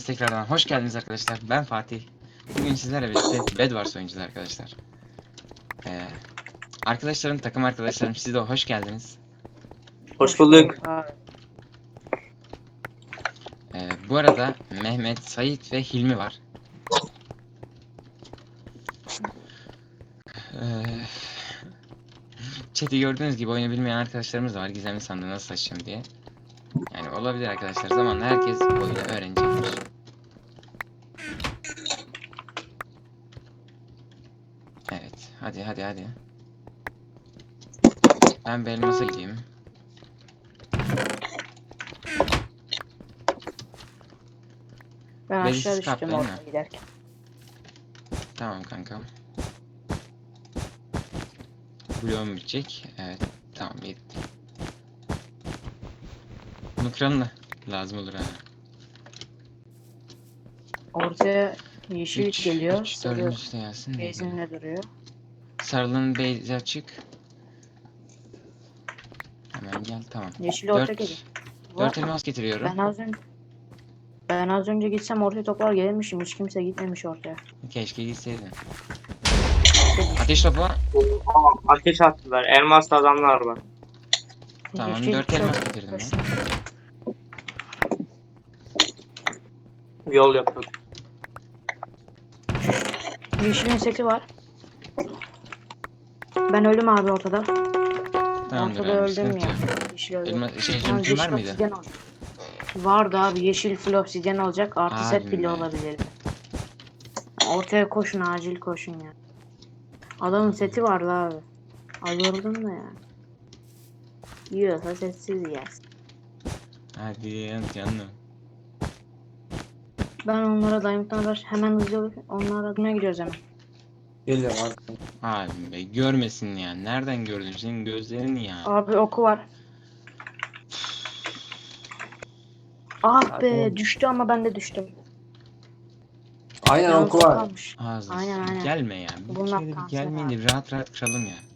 Hepiniz tekrardan hoş geldiniz arkadaşlar. Ben Fatih. Bugün sizlerle birlikte Bedwars oynayacağız arkadaşlar. Arkadaşlarım, takım arkadaşlarım, siz de hoş geldiniz. Hoş bulduk. Bu arada Mehmet, Sait ve Hilmi var. Chat'i gördüğünüz gibi oyunu bilmeyen arkadaşlarımız da var. Gizemli sandığı nasıl açacağım diye. Yani olabilir arkadaşlar. Zamanla herkes oyunu öğrenecektir. Evet. Hadi. Ben bir elmasa gideyim. Ben Belirsiz aşağı kap düştüm değil mi? orada giderken. Tamam kankam. Bloğum bitecek. Evet. Tamam bitti. Bunu kıralım da lazım olur ha. Ortaya yeşil geliyor. 3 Sarı 4. de gelsin. benzinle duruyor. Sarılığın beyzi açık. Hemen gel tamam. Yeşil orta 4 geliyor. 4 elmas getiriyorum. Ben az önce gitsem ortaya toplar gelirmişim. Hiç kimse gitmemiş ortaya. Keşke gitseydin. Ateş topu. Ateş attılar. Elmaslı adamlar var. Tamam Yeşil 4 çok elmas getirdim ben. hoşuma- Yol yapıyor. Yeşilin seti var. Ben öldüm abi ortada. Tamamdır Ortada abi öldüm sıkıntı ya. yok. Yeşil öldü. Elma, Yalnız zümrütün var yeşil mıydı? obsidyen olacak. Vardı abi, yeşil full obsidyen olacak. Artı Abi set bile be. olabilir. Ortaya koşun, acil koşun ya. Adamın seti vardı abi. Alıyordum da ya. Yiyorsa sessiz yersin. Hadi canım. Ben onlara dayanıktan hemen hızlı onlara adına gidiyoruz hemen. Geliyorum artık. Abi be görmesin ya. Nereden gördün senin gözlerin ya. Abi oku var. Ah be, düştü ama ben de düştüm. Aynen Yalnız oku o var. kalmış. Ağzı. Aynen. Gelme ya. Bir Bunlar kere bir kanser gelmeyin abi. de rahat kıralım ya.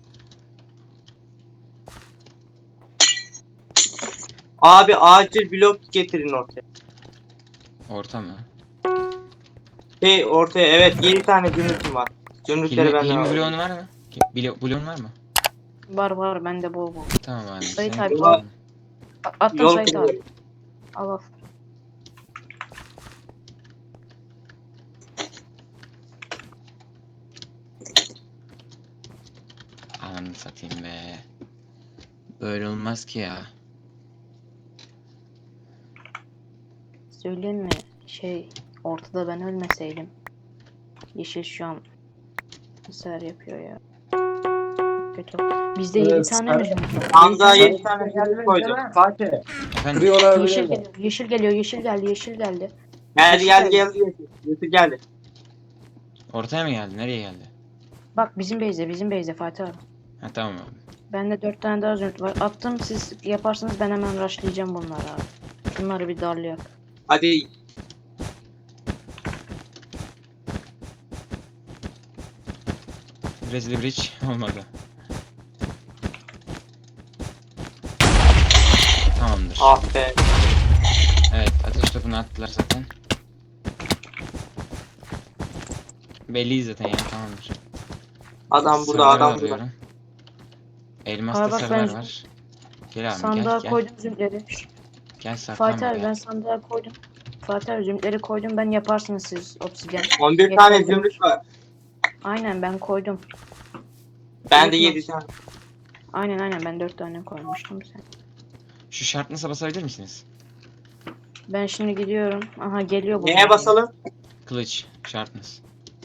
Abi acil blok getirin ortaya. Orta mı? Ortaya evet 7 tane zümrütüm var. Zümrütleri benden Hilmi alalım. bloğun var mı? Bloğun var mı? Var bende bol. Tamam abi. Sait Sen abi, tamam. Attım Yol Sait kırıyor. abi. Al. Ananı satayım be. Böyle olmaz ki ya. Söyleyeyim mi? Ortada ben ölmeseydim. Yeşil şu an sefer yapıyor ya. Kötü. Bizde 7 tane mi zümrüt var? Anda 7 tane zümrüt koydum. Fatih. Efendim? Kırıyorlar Yeşil biliyorlar. geliyor. Yeşil geliyor. Yeşil geldi. Yeşil geldi. Geldi. Zümrüt geldi. Ortaya mı geldi? Nereye geldi? Bak bizim base'e Fatih abi. Ha tamam abi. Bende 4 tane daha zümrüt var. Attım, siz yaparsanız ben hemen rushlayacağım bunları abi. Bunları bir darlayak. Hadi Brezilya Bridge olmadı. Tamamdır. ah be. Evet ateş topunu attılar zaten. Belli zaten ya tamamdır. Adam burada Sarıları adam burada. alıyorum. Elmas'ta Abi bak, sarılar ben var. Gel abi sandığa gel. koydum zümrütleri. Gel saklanma Fatih abi, gel. ben sandığa koydum. Fatih abi, zümrütleri koydum, ben yaparsınız siz obsidyen. 11 tane zümrüt var. Aynen, ben koydum. Bende Zümrüt 7 tane. Aynen ben 4 tane koymuştum sen. Şu şartnasa basabilir misiniz? Ben şimdi gidiyorum. Aha geliyor bu. Neye basalım? Kılıç şartnız.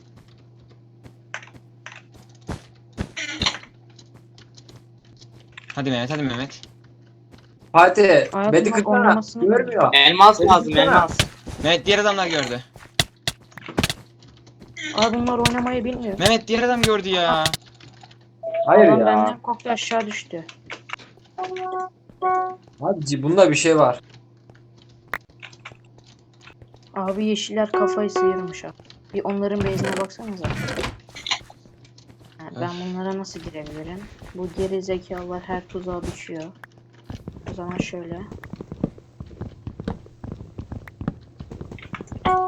Hadi Mehmet. Fatih. Hayatım Bedi bak, kırsana. oynamasını Görmüyor. Elmas Beni lazım tutsana. elmas. Mehmet diğer adamlar gördü. Abi bunlar oynamayı bilmiyor. Mehmet diğer adam gördü ya. Hayır Adam ya. benden korktu, aşağı düştü. Abi bunda bir şey var. Abi yeşiller kafayı sıyırmış abi. Bir onların base'ine baksanıza. Ha, ben bunlara nasıl girebilirim? Bu geri zekalılar her tuzağa düşüyor. O zaman şöyle.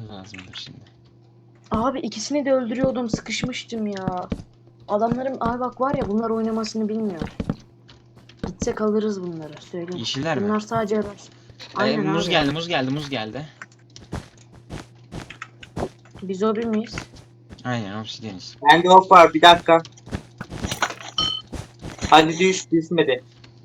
lazımdır şimdi. Abi ikisini de öldürüyordum, sıkışmıştım ya. Adamlarım abi bak var ya, bunlar oynamasını bilmiyor. Gitsek alırız bunları, söyleyeyim. Yeşiller mi? Bunlar sadece araç. Aynen Muz abi. geldi, muz geldi, muz geldi. Biz o bir miyiz? Aynen obsidiyeniz. Bende ok var, bir dakika. Hadi düşmedi.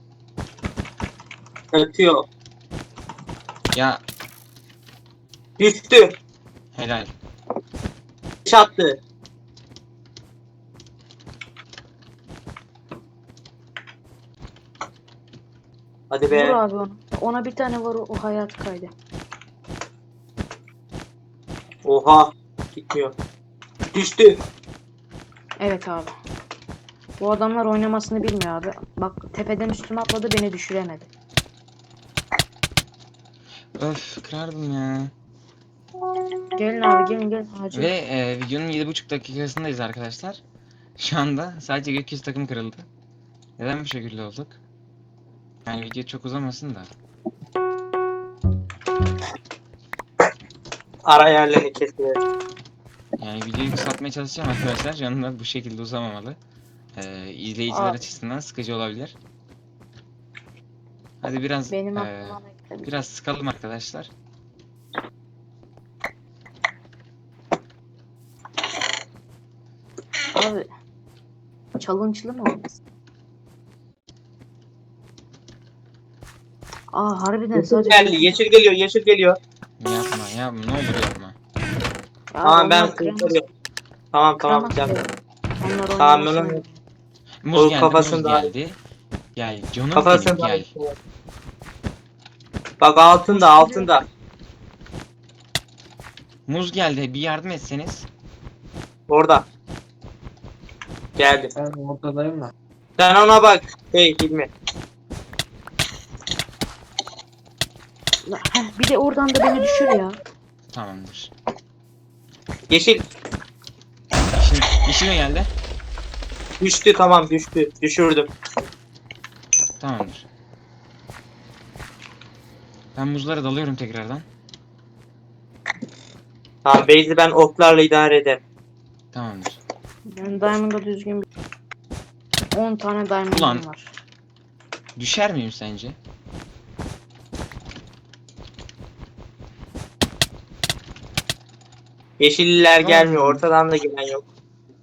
Ötüyor. Ya Düştü. helal. Çattı. Hadi Vur be. abi onu. Ona bir tane var, o hayat kaydı. Oha. Gitmiyor. Düştü. Evet abi. Bu adamlar oynamasını bilmiyor abi. Bak tepeden üstüme atladı, beni düşüremedi. Öf kırardım ya. Gelin abi, gelin acil. Ve videonun 7,5 dakikasındayız arkadaşlar. Şu anda sadece gökyüzü takım kırıldı. Neden bu şekilde olduk? Yani video çok uzamasın da. Ara yerlerini kesiyor. Yani videoyu kısaltmaya çalışacağım arkadaşlar. Yanında bu şekilde uzamamalı. İzleyiciler Aa. açısından sıkıcı olabilir. Hadi biraz Benim aklıma ne geldi? biraz sıkalım arkadaşlar. Abi challenge'lı mı olmasın? Aa harbiden Yeşil sadece... geldi. Yeşil geliyor. Yeşil geliyor. Yapma yapma ne olur yapma. Ya Tamam ben onlar kıramaz- kurtarıyorum. Tamam tamam. kıramaz Güzel. ya. Onlar Tamam, oynamasını ben onu- bilmiyor. Muz O geldi, kafasını muz daha- geldi. Gel canım Kafasını benim gel. Bak altında altında. Muz geldi bir yardım etseniz. Orada. Geldi. Ben ortadayım da. Sen ona bak. Hey Hilmi. Heh, bir de oradan da beni düşür ya. Tamamdır. Yeşil Yeşil mi geldi? düştü, tamam düştü. Düşürdüm. Tamamdır. Ben muzlara dalıyorum tekrardan. Tamam Beyzi ben oklarla idare ederim. Tamamdır. Ben Diamond'a düzgün bir... 10 tane Diamond'ım Ulan. var. Düşer miyim sence? Yeşilliler Tamam. gelmiyor. Ortadan da gelen yok.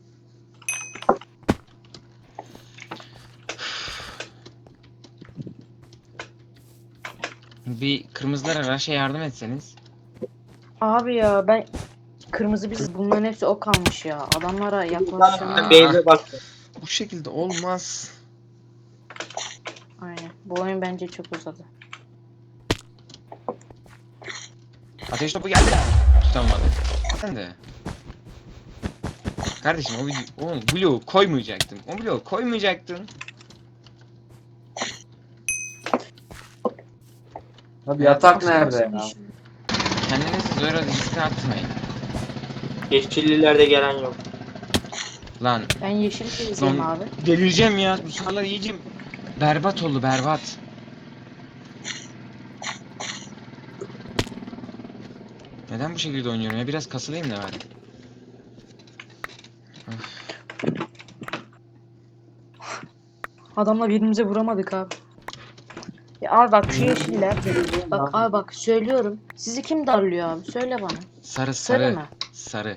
Bir kırmızılara rush'a yardım etseniz. Abi ya ben... Kırmızı biz bunların hepsi ok almış ya. Adamlara Aa. yaklaşamıyor. Beyzi bak. Bu şekilde olmaz. Aynen. Bu oyun bence çok uzadı. Ateş topu geldi. Tutamadı. Sen de. Kardeşim o bloğu koymayacaktın. O bloğu koymayacaktın. Abi yatak nerede ya? Kendinizi zora riske atmayın. Yeşillilerde gelen yok. Lan Ben yeşil gezeceğim Lan- abi. delireceğim ya. Bu sıralar iyice berbat oldu berbat. Neden bu şekilde oynuyorum ya? Biraz kasılayım da bari. Adamla birbirimize vuramadık abi. Ya abi bak şu yeşiller. Bak abi bak söylüyorum. Sizi kim darlıyor abi? Söyle bana. Sarı Sarı sarı. mı? Sarı.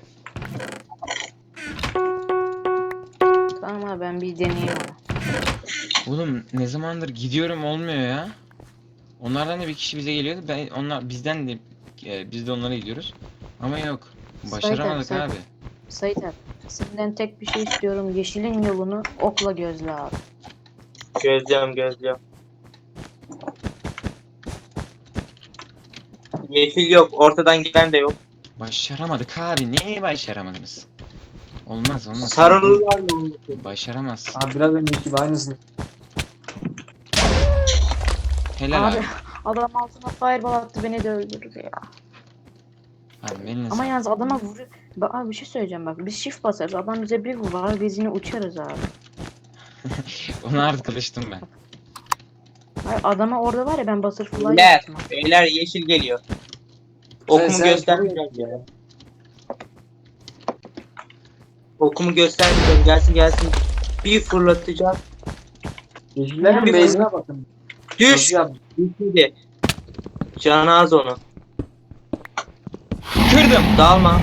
Tamam abi ben bir deneyeyim onu. Oğlum ne zamandır gidiyorum olmuyor ya. Onlardan da bir kişi bize geliyordu. Bizden de biz de onlara gidiyoruz. Ama yok. Başaramadık Sayın- abi. Sait abi. Senden tek bir şey istiyorum. Yeşilin yolunu okla gözle abi. Gözlüyorum. Yeşil yok. Ortadan gelen de yok. Başaramadık abi. Neye başaramadınız? Olmaz. Sarılılar mı? Başaramaz. Abi biraz önceki gibi aynısını. Helal abi. Abi adam altına fireball attı, beni de öldürdü ya. Abi eline Ama sağlık. yalnız adama vuruyor. Bak abi bir şey söyleyeceğim bak. Biz shift basarız. Adam bize bir vurar. Biz yine uçarız abi. Ona artık alıştım ben. Hayır, adama orada var ya, ben butterfly Beyler, yaptım. beyler yeşil geliyor. Okumu Sen göstermeyeceğim. ya. Okumu göstermeyeceğim. Gelsin gelsin. Bir fırlatacağım. Yeşillerin Ya, base'ine bakın. Düş. Nasıl yaptın? Düşmedi. Canı az onu. Kırdım. Dalma.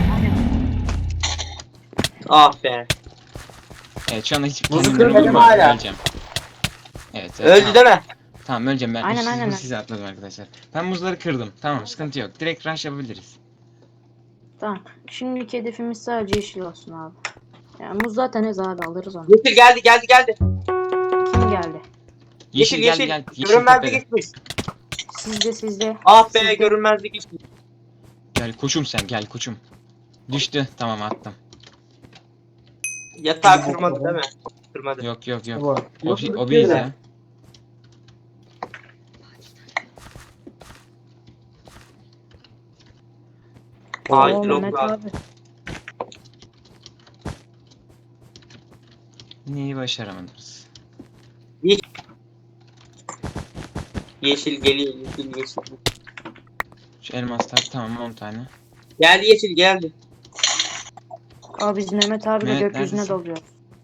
Ah be. Evet şu anda hiç Muzu kendimden kırmadım umurum yok. hala. Öleceğim. Evet, Öldü tamam. değil mi? Tamam öleceğim ben. Aynen, aynen. Size atladım arkadaşlar. Ben muzları kırdım. Tamam sıkıntı yok. Direkt rush yapabiliriz. Tamam. Şimdiki hedefimiz sadece yeşil olsun abi. Yani muz zaten ez abi, alırız onu. Yeşil geldi geldi geldi. Kim geldi? Yeşil, Yeşil gel yeşil. gel. Yeşil Görünmezlik tepede. gitmiş. Sizde. Ah be Sizde. görünmezlik gitmiş. Gel koçum sen gel koçum. Düştü. Tamam attım. Yatağı kırmadı değil mi? Kırmadı. Yok yok yok. Bu. O biz ya. Ay, Oo, blok Mehmet var. abi. Neyi başaramadınız? Yeşil geliyor yeşil yeşil. Şu elmaslar tamam 10 tane. Geldi yeşil geldi. Abi biz Mehmet abiyle Mehmet, gökyüzüne neredesin? dalıyoruz.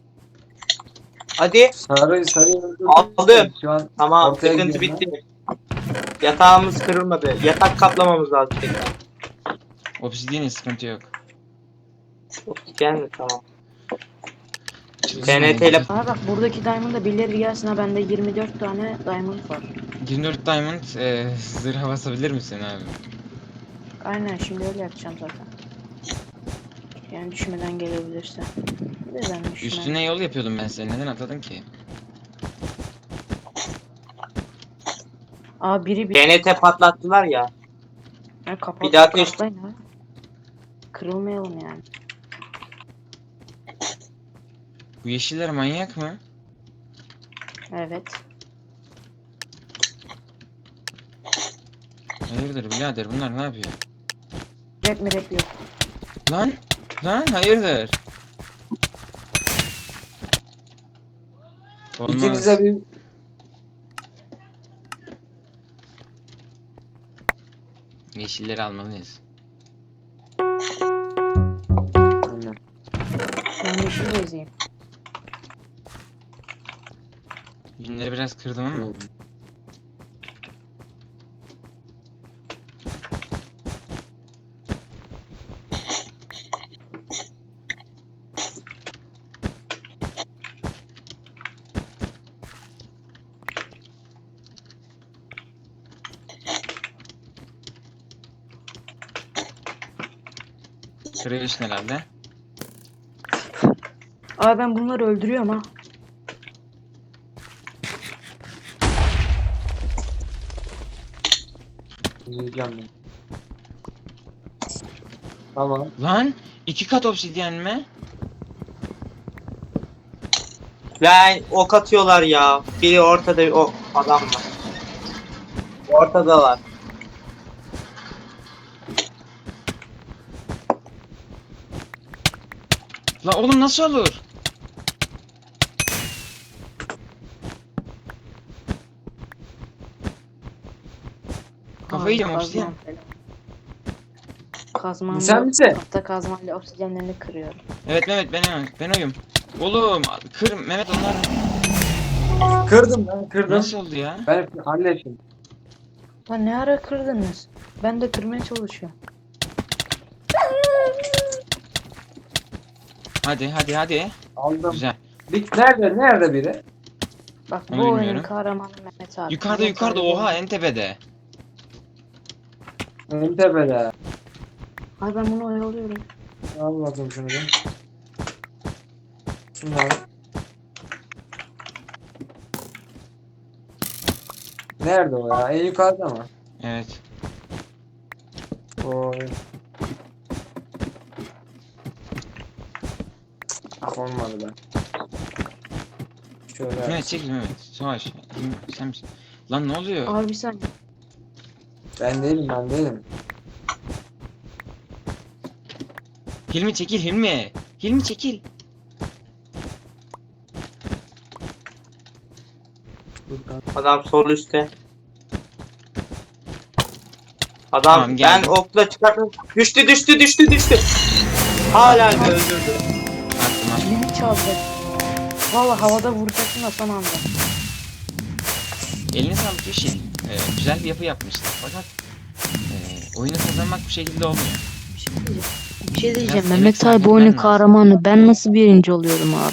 Hadi. Sarıyı öldürdüm. Aldım. Şu an Tamam ortaya sıkıntı gidiyorum bitti. Yatağımız kırılmadı. Yatak kaplamamız lazım tekrar. Obsidian'in sıkıntı yok. Gelme tamam. Çılgın TNT ile- yani. Aa bak, buradaki diamond'da birileri gelsin ha, bende 24 tane diamond var. 24 Diamond zırha basabilir misin abi? Aynen, şimdi öyle yapacağım zaten. Yani düşmeden gelebilirse. De ben düşmem. Üstüne yol yapıyordum ben seni. Neden atladın ki? Aa biri bir TNT patlattılar ya. yani kapat. bir daha ateş- kapatlayın ha. Kırılmayalım yani. Bu yeşiller manyak mı? Evet. Hayırdır birader bunlar ne yapıyor? Rap mi rap yok. Lan! Lan hayırdır? Olmaz. ikinize bir Yeşilleri almalıyız. Aynen. Şu an yeşil bezeyim. Yünleri biraz kırdım ama. Kırıyorsun herhalde. Aa ben bunları öldürüyorum ha. Yiyeceğim ben. Tamam. Lan! 2 kat obsidyen mi? Lan ok atıyorlar ya. Biri ortada o adam var. Ortadalar. La oğlum nasıl olur? Kafayı yiyeceğim obsidyen. Kazmam. Sen misin? Hatta kazmayla obsidyenlerini kırıyorum. Evet Mehmet ben oyum. Oğlum kır Mehmet onlar Kırdım ben kırdım. nasıl oldu ya? Ben hallettim. Lan ne ara kırdınız? Ben de kırmaya çalışıyorum. Hadi. Aldım. Güzel. Nerede biri? Bak Onu bu oyunun bilmiyorum. kahramanı Mehmet abi. Yukarıda Mehmet abi oha benim. en tepede. En tepede. Ay ben bunu oyalıyorum. Al bakayım şunu bir. Şunları. Nerede o ya? En yukarıda mı? Evet. Oy. Ah olmadı be. Şöyle. Mehmet çekil Mehmet. Savaş. Sen misin? Lan ne oluyor? Abi bir saniye. Ben değilim. Hilmi çekil Hilmi. Hilmi çekil. Buradan. Adam sol üstte. Adam Tamam, ben geldim. okla çıkarttım. Düştü. Hala öldürdü. Attım. Kilimi çaldı. Valla havada vuracaktım da son anda. Eline sağlık Yoshi. Güzel bir yapı yapmışlar fakat oyunu kazanmak bu şekilde olmuyor. Bir şey diyeceğim. Bir şey diyeceğim. Biraz emek Mehmet sarf abi oyunun etmen lazım. kahramanı. Ben nasıl birinci oluyorum abi?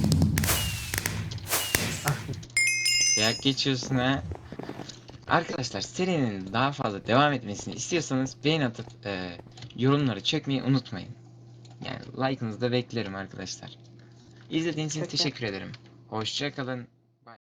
Dayak geçiyorsun ha. Arkadaşlar serinin daha fazla devam etmesini istiyorsanız beğeni atıp yorumları çekmeyi unutmayın. Yani like'ınızı da beklerim arkadaşlar. İzlediğiniz için Çok teşekkür ederim. Hoşça kalın.